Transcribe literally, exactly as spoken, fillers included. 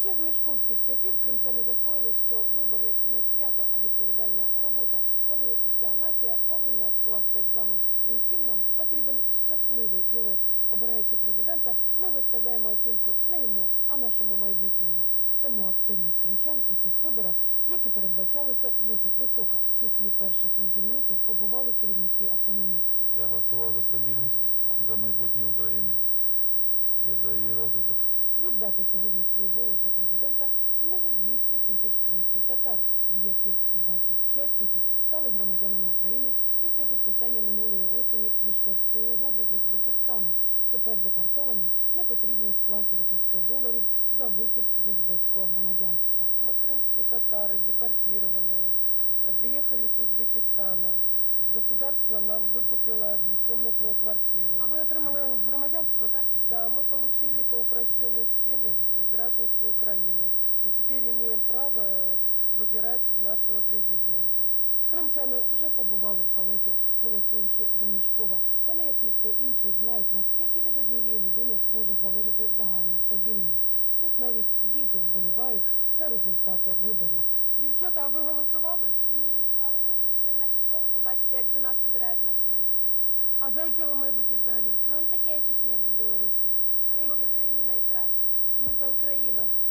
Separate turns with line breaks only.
Ще з мішковських часів кримчани засвоїли, що вибори не свято, а відповідальна робота, коли уся нація повинна скласти екзамен. І усім нам потрібен щасливий білет. Обираючи президента, ми виставляємо оцінку не йому, а нашому майбутньому. Тому активність кримчан у цих виборах, як і передбачалося, досить висока. В числі перших на дільницях побували керівники автономії.
Я голосував за стабільність, за майбутнє України і за її розвиток.
Віддати сьогодні свій голос за президента зможуть двісті тисяч кримських татар, з яких двадцять п'ять тисяч стали громадянами України після підписання минулої осені Бішкекської угоди з Узбекистаном. Тепер депортованим не потрібно сплачувати сто доларів за вихід з узбекського громадянства.
Мы крымские татары, депортированные, приехали с Узбекистана. Государство нам выкупило двухкомнатную квартиру.
А ви отримали громадянство, так?
Да, мы получили по упрощенной схеме гражданство Украины. И теперь имеем право выбирать нашего президента.
Кримчани вже побували в Халепі, голосуючи за Мішкова. Вони, як ніхто інший, знають, наскільки від однієї людини може залежати загальна стабільність. Тут навіть діти вболівають за результати виборів. Дівчата, а ви голосували?
Ні, але ми прийшли в нашу школу побачити, як за нас обирають наше майбутнє.
А за яке ви майбутнє взагалі?
Ну не таке в Чечні або в Білорусі.
А
В Україні найкраще.
Ми за Україну.